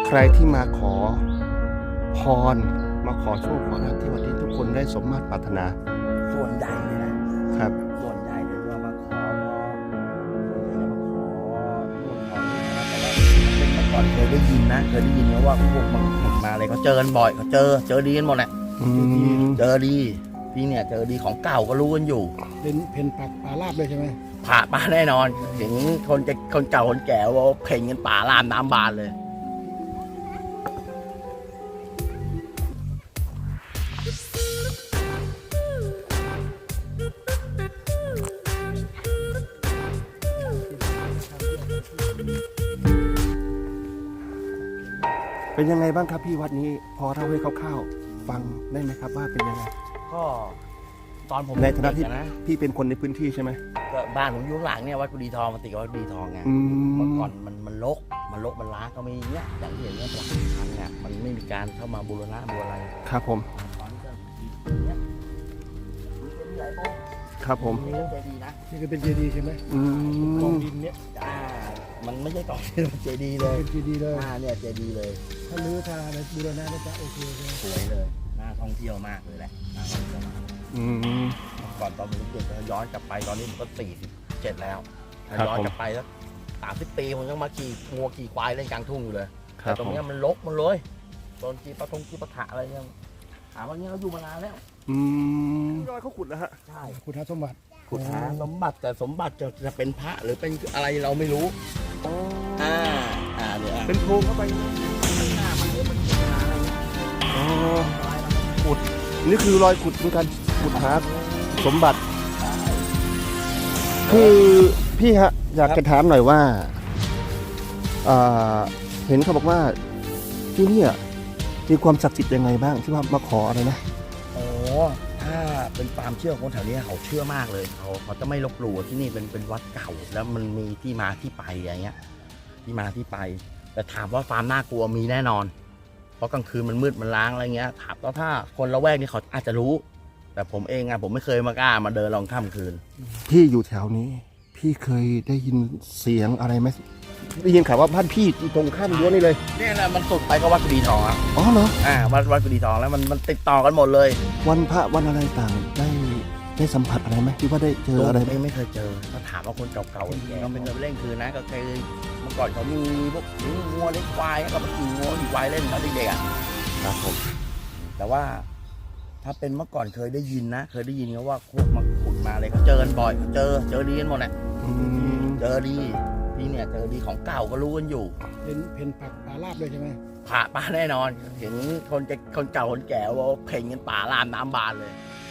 ใครที่มาขอพรมาขอโชคขอลาภที่วัดนี้ทุกคนได้สมมาตรปรารถนาส่วนใหญ่เลยนะครับส่วนใหญ่เลยว่ามาขอส่วนใหญ่มาขอนู่นขอนี่นะแต่ว่าเมื่อก่อนเคยได้ยินนะนะว่าพวกมันขุดมาอะไรเขาเจอกันบ่อยเขาเจอดีกันหมดแหละเจอดีที่เนี่ยเจอดีของเก่าก็รู้กันอยู่เป็นเพนผักป่าลาบเลยใช่ไหมผ่าป่าแน่นอนเห็นคนเก่าคนแก่ว่าเพ่งกันป่าลามน้ำบานเลยเป็นยังไงบ้างครับพี่วัดนี้พอเล่าให้คร่าวๆฟังได้ไหมครับว่าเป็นยังไงก็ตอนผมในฐานะที่พี่เป็นคนในพื้นที่ใช่ไหมก็บ้านผมอยู่ข้างหลังเนี่ยวัดกุดีทองมันติดกับวัดกุดีทองไงเมื่อก่อนมันรกมันล้างก็มีเนี่ยอย่างที่เห็นเนี่ยหลังทางเนี่ยมันไม่มีการเข้ามาบูรณะบูอะไรครับผมครับผมนี่เจดีนะนี่ก็เป็นเจดีใช่ไหมกองดินเนี่ยมันไม่ใช่กองดินเจดีเลยเป็นเจดีเลยเนี่ยเจดีเลยถ้ารื้อทาในบูรณะน่าจะโอเคเลยสวยเลยน่าท่องเที่ยวมากเลยแหละน่าท่องเที่ยวมากก่อนตอนผมเด็กย้อนกลับไปตอนนี้ผมก็47แล้วย้อนกลับไปแล้ว30 ปีผมยังมาขี่งัวขี่ควายเล่นกลางทุ่งอยู่เลยแต่ตรงนี้มันรกมันเลยตอนขี่ปะถะอะไรเนี่ยถามว่าเนี้ยเขาอยู่มานานแล้วรอยเขาขุดแล้วฮะใช่ขุดหาสมบัติแต่สมบัติจะเป็นพระหรือเป็นอะไรเราไม่รู้เนี่ยเป็นโพรงเข้าไปหน้ามันอะไรขุดนี่คือรอยขุดเหมือนกันขุดหาสมบัติคือพี่ฮะอยากจะถามหน่อยว่าเห็นเขาบอกว่าที่นี่มีความศักดิ์สิทธิ์ยังไงบ้างที่ว่ามาขออะไรนะถ้าเป็นความเชื่อของคนแถวนี้เขาเชื่อมากเลยเขาจะไม่ลบหลู่ที่นี่เป็นวัดเก่าแล้วมันมีที่มาที่ไปอย่างเงี้ยที่มาที่ไปแต่ถามว่าความน่ากลัวมีแน่นอนเพราะกลางคืนมันมืดมันล้างอะไรเงี้ยถามว่าถ้าคนละแวกนี่เขาอาจจะรู้แต่ผมเองผมไม่เคยมากล้ามาเดินลองค่ำคืนพี่อยู่แถวนี้พี่เคยได้ยินเสียงอะไรไหมได้ยินข่าวว่าบ้านพี่ตรงข้ามรั้วนี่เลยเนี่ยแหละมันสุดไปก็วัดกุดีทองครับอ๋อเหรอวัดกุดีทองแล้วมันติดต่อกันหมดเลยวันพระวันอะไรต่างได้สัมผัสอะไรไหมที่ว่าได้เจออะไรไม่เคยเจอถ้าถามว่าคนเก่าๆเราเป็นเล่นคืนนะก็เคยเมื่อก่อนเขามีพวกงัวเลี้ยงควายก็มาขี่งัวขี่ควายเล่นตอนเด็กๆครับผมแต่ว่าถ้าเป็นเมื่อก่อนเคยได้ยินเขาว่าพวกมาขุดมาอะไรเขาเจอกันบ่อยเจอดีกันหมดแหละเจอดีที่เนี่ยเจอดีของเก่าก็รู้กันอยู่เป็นเพนผักป่าลาบเลยใช่ไหมผ่าป่าแน่นอนเห็นคนเก่าคนแก่ว่าเพ่งกันป่าลามน้ำบานเลย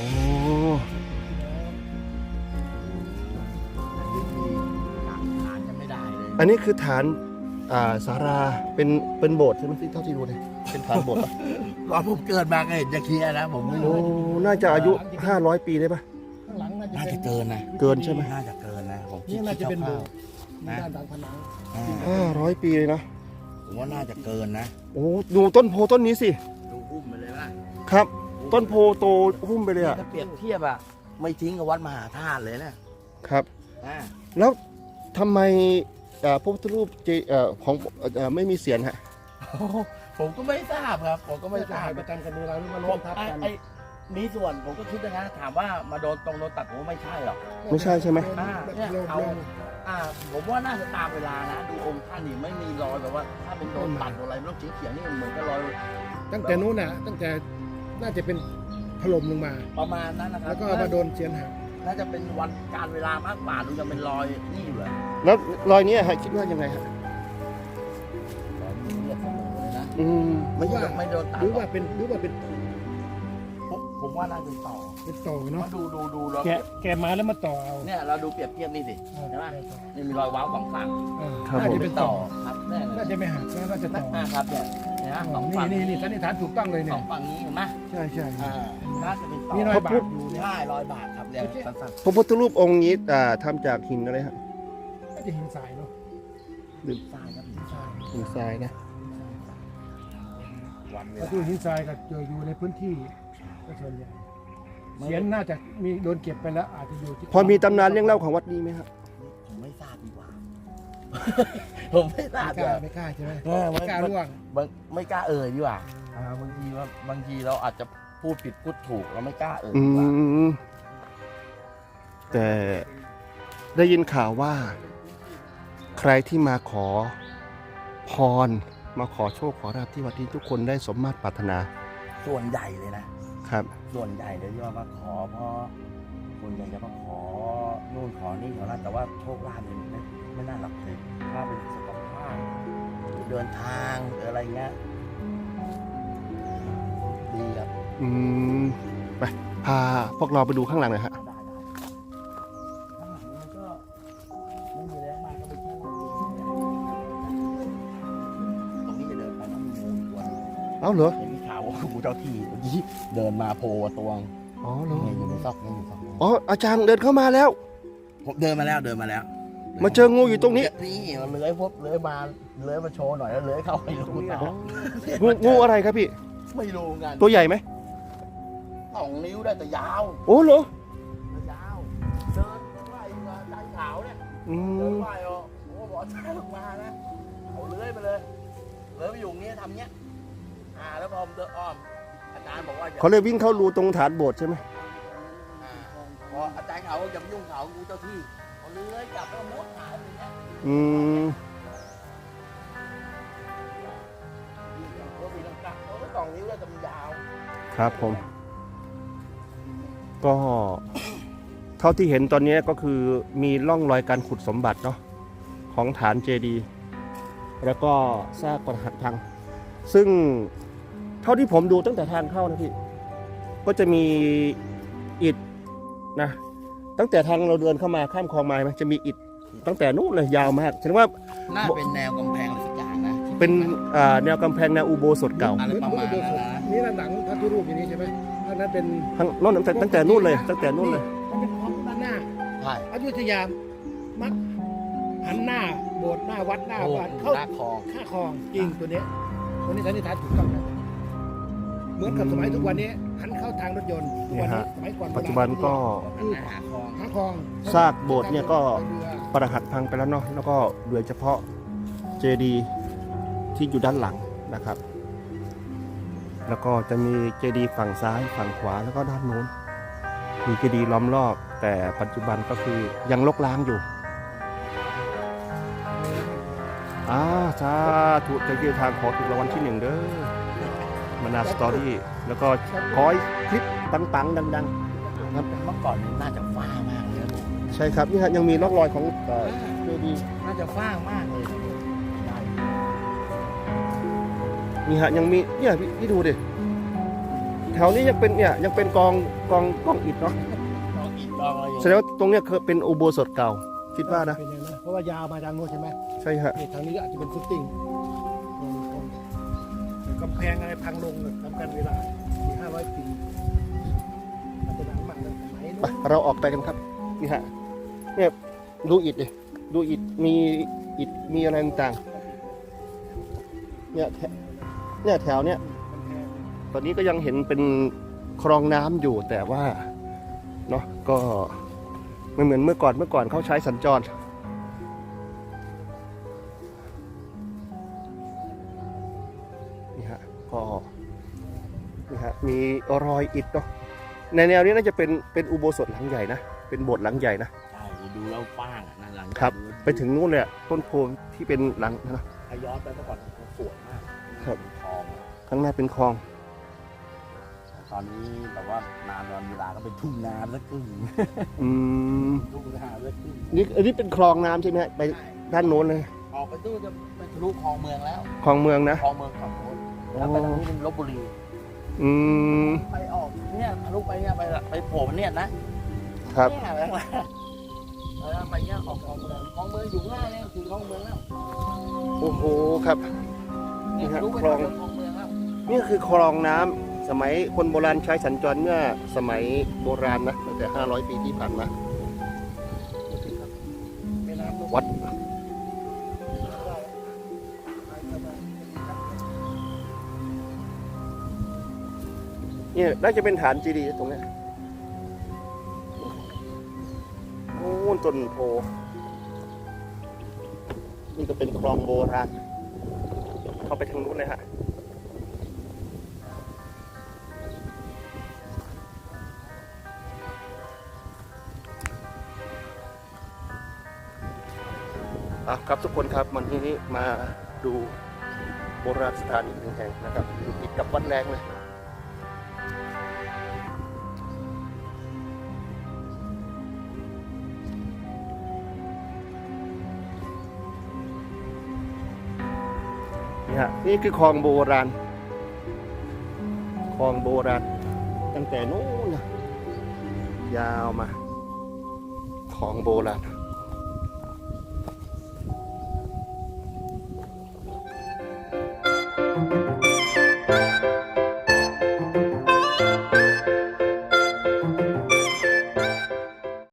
ฐานจะไม่ได้เลยอันนี้คือฐานศาลาเป็นโบสถ์ใช่ไหมที่เท่าที่ดูเนี่ยเป็นฐานโบสถ์ก่อนผมเกิดมาก็เห็นจะเคลียร์นะผมไม่รู้น่าจะอายุ500 ปีได้ปะข้างหลังน่าจะเกินนะเกินใช่ไหมน่าจะเกินนะผมคิดน่าจะเป็นโบสถ์ด้านผนัง 500 ปีเลยนะผมว่าน่าจะเกินนะดูต้นโพต้นนี้สิดูหุ้มไปเลยว่าครับต้นโพโตหุ้มไปเลยถ้าเปรียบเทียบไม่ทิ้งกับวัดมหาธาตุเลยนะครับแล้วทำไมพระพุทธรูปของไม่มีเสียรฮะผมก็ไม่ทราบครับผมก็ไม่ทราบประจำกันเวลาที่มาล้มทับกันมีส่วนผมก็คิดนะถามว่ามาโดนตัดผมไม่ใช่หรอกไม่ใช่ใช่ไหมเนี่ยผมว่าน่าจะตามเวลานะดูองค์ท่านนี่ไม่มีรอยแบบว่าถ้าเป็นโดนตัดอะไรไม่ต้องเขียวนี่เหมือนกับรอยตั้งแต่นู้นน่ะตั้งแต่น่าจะเป็นถล่มลงมาประมาณนั้นนะครับแล้วก็มาโดนเจียนหักน่าจะเป็นวันการเวลามากกว่าดูจะเป็นรอยนี่อยู่แล้วรอยนี้คิดว่ายังไงฮะไม่โดนตัดหรือว่าเป็นผมว่าน่าจะต่อเนาะดูแกมาแล้วมาต่อเอาเนี่ยเราดูเปรียบเทียบนี่สิใช่ไหมนี่มีรอยว้าวสองฝั่งน่าจะเป็นต่อครับน่าจะไม่หักน่าจะต่อครับเนี่ยนะสองฝั่งนี่สันนิษฐานถูกต้องเลยเนี่ยสองฝั่งนี้เห็นไหมใช่น่าจะเป็นต่อมีรอยบาทอยู่ใช่รอยบาทครับเนี่ยสั้นๆพระพุทธรูปองค์นี้ทำจากหินอะไรฮะน่าจะหินทรายเนาะหินทรายครับหินทรายนะถ้าดูหินทรายก็เจออยู่ในพื้นที่ก็ส่วนใหญ่เสียนน่าจะมีโดนเก็บไปแล้วอาจจะอยู่พอมีตำนานเรื่องเล่าของวัดนี้ไหมครับผมไม่ทราบดีกว่าผมไม่ทราบไม่กล้าใช่ไหมไม่ไม่กล้าล่วงไม่กล้าเอ่ยดีกว่าบางทีเราอาจจะพูดผิดพูดถูกเราไม่กล้าเอ่ยอืดีกว่ามแต่ได้ยินข่าวว่า ใครที่มาขอพรมาขอโชคขอลาภที่วัดนี้ทุกคนได้สมมาตรปรารถนาส่วนใหญ่เลยนะครับ ส่วนใหญ่เลยที่ว่ามาขอเพราะส่วนใหญ่จะมาขอนู่นขอนี่ขอนั่นแต่ว่าโชคลาภเนี่ยไม่น่าหลับเลยถ้าเป็นสุขภาพหรือเดินทางหรืออะไรเงี้ยดีครับอืมไปพาพวกเราไปดูข้างหลังหน่อยฮะได้ข้างหลังมันก็ไม่มีแล้วมาก็ไปแค่ตรงนี้จะเดินไปแล้วมีงูตัวนึงเอ้าเหรอเห็นมีข่าวว่างูเจ้าที่เมื่อกี้เดินมาโผล่ตัวงอ๋อเหรอเนี่ยอยู่ในซอกเนี่ยอยู่ซอกเนี่ยอ๋ออาจารย์เดินเข้ามาแล้วผมเดินมาแล้วมาเจองูอยู่ตรงนี้นี่มันเลื้อยพบเลื้อยมาโชว์หน่อยแล้วเลื้อยเข้าไปรูต่องูอะไรครับพี่ไม่รู้งานตัวใหญ่ไหม 2 นิ้วได้แต่ยาวโอ้เหรอยาวเดินไหวมาใจขาวเนี่ยอืเดินมไหวอ่ะโอ้บอกช้าลงมานะเขาเลื้อยไปเลยเลื้อยไปอยู่อย่างเงี้ยทำเงี้ยแล้วพอผมเดินอ้อมอาจารย์บอกว่าอย่าเขาเลยวิ่งเข้ารูตรงฐานโบสถ์ใช่ไหมพออาจารย์เขาอย่าไปยุ่งเขางูเจ้าที่เขาเลื้อยกลับแล้วมุดหายไปอย่างเงี้ยอืมตัวสีลังกาเขาก็2 นิ้วแล้วแต่มันยาวครับผม ก็เท่าที่เห็นตอนนี้ก็คือมีร่องรอยการขุดสมบัติเนาะของฐานเจดีย์แล้วก็ซากปรักหักพัง ซึ่งเท่าที่ผมดูตั้งแต่ทางเข้านะพี่ ก็จะมีอิฐนะ ตั้งแต่ทางเราเดินเข้ามาข้ามคลองมาไหมจะมีอิฐตั้งแต่นู้นเลยยาวมากแสดงว่าน่าเป็นแนวกำแพงอะไรสักอย่างนะเป็นแนวกำแพงแนวอุโบสถเก่าอะไรประมาณนั้นนะนี่ด้านหลังพระพุทธรูปอย่างนี้ใช่ไหมด้านนั้นเป็นทั้งโน้นตั้งแต่นู้นเลย ตั้งแต่นู้นเลยมันเป็นของด้านหน้าใช่อยุธยามักหันหน้าโบสถ์หน้าวัดหน้าโอ้บ้านเข้าหน้าคลองข้าคลองจริงตัวเนี้ยตัวนี้สันนิษฐานถูกต้องนะเหมือนกับสมัยทุกวันนี้หันเข้าทางรถยนต์ทุกวันนี้สมัยก่อนโราณปัจจุบันก็หันหน้าหาคลองหาคลองซากโบสถ์เนี่ยก็ ปรักหักพังไปแล้วเนาะแล้วก็เหลือเฉพาะเจดีย์ที่อยู่ด้านหลังนะครับ แล้วก็จะมีเจดีย์ฝั่งซ้ายฝั่งขวาแล้วก็ด้านโน้นมีเจดีย์ล้อมรอบ แต่ปัจจุบันก็คือยังรกร้างอยู่สาธุจะเกี่ยวทางขอถูกรางวัลที่ 1เด้อมานาสตอรี่แล้วก็ขอให้คลิปปังๆดังเมื่อก่อนนี่น่าจะฟ้ามากเลยนะผมๆ ใช่ครับนี่ฮะยังมีร่องรอยของเจดีย์น่าจะฟ้ามากเลยใช่นี่ฮะยังมีเนี่ยพี่ดูดิแถวนี้ยังเป็นเนี่ยยังเป็นกองอิฐเนาะลองอีกลองอะไรอย่างแสดงว่าตรงเนี้ยเคยเป็นอุโบสถเก่าคิดว่านะเป็นอย่างนั้นเพราะว่ายาวมาทางโน้นใช่ไหมใช่ฮะนี่ทางนี้ก็อาจจะเป็นฟุตติ้งกำแพงอะไรพังลงทำกันเวลา400-500 ปีมันจะดังมากเลยสมัยไปนู้นเราออกไปกันครับนี่ฮะเนี่ยดูอิฐดิดูอิฐมีอิฐมีอะไรต่างๆเนี่ยแถวเนี่ยตอนนี้ก็ยังเห็นเป็นคลองน้ำอยู่แต่ว่าเนาะก็ไม่เหมือนเมื่อก่อนเขาใช้สัญจรนี่ฮะก็นี่ฮะมีรอยอิฐเนาะในแนวนี้น่าจะเป็นอุโบสถหลังใหญ่นะเป็นโบสถ์หลังใหญ่นะใช่ดูแล้วฟ้างอ่ะนั่นหลังครับ ไปถึงนู่นเลยอะต้นโพที่เป็นหลังนะถ้าย้อนไปเมื่อก่อนมันสวยมากครับทองอะข้างหน้าเป็นคลองตอนนี้แบบว่านานวันเวลาก็เป็นทุ่งนาสักครึ่งอืมทุ่งนาสักครึ่งนี่อันนี้เป็นคลองน้ำใช่ไหมฮะไปด้านโน้นเลยออกไปตู้จะไปทะลุคลองเมืองแล้วคลองเมืองนะคลองเมืองฝั่งโน้นแล้วไปทางนี้เป็นลบบุรีอืมไปออกเนี่ยทะลุไปเนี่ยไปโผล่เนี่ยนะครับ เนี่ยแล้วไปเนี่ยออกคลองเมืองอยู่ข้างหน้าเนี่ยคือคลองเมืองแล้วโอ้โหครับเนี่ยนี่ฮะทะลุไปคลองคลองเมืองแล้วนี่คือคลองน้ำสมัยคนโบราณใช้สัญจรเมื่อสมัยโบราณนะตั้งแต่500 ปีที่ผ่านมาแม่น้ำลงวัดเนี่ยน่าจะเป็นฐานเจดีย์ตรงเนี้ยโอ้ต้นโพนี่ก็เป็นคลองโบราณเข้าไปทางนู้นเลยฮะครับทุกคนครับวันนี้มาดูโบราณสถานอีกหนึ่งแห่งนะครับอยู่ติดกับวัดแรงเลยนี่ฮะนี่คือคลองโบราณคลองโบราณตั้งแต่นู้นนะยาวมาคลองโบราณ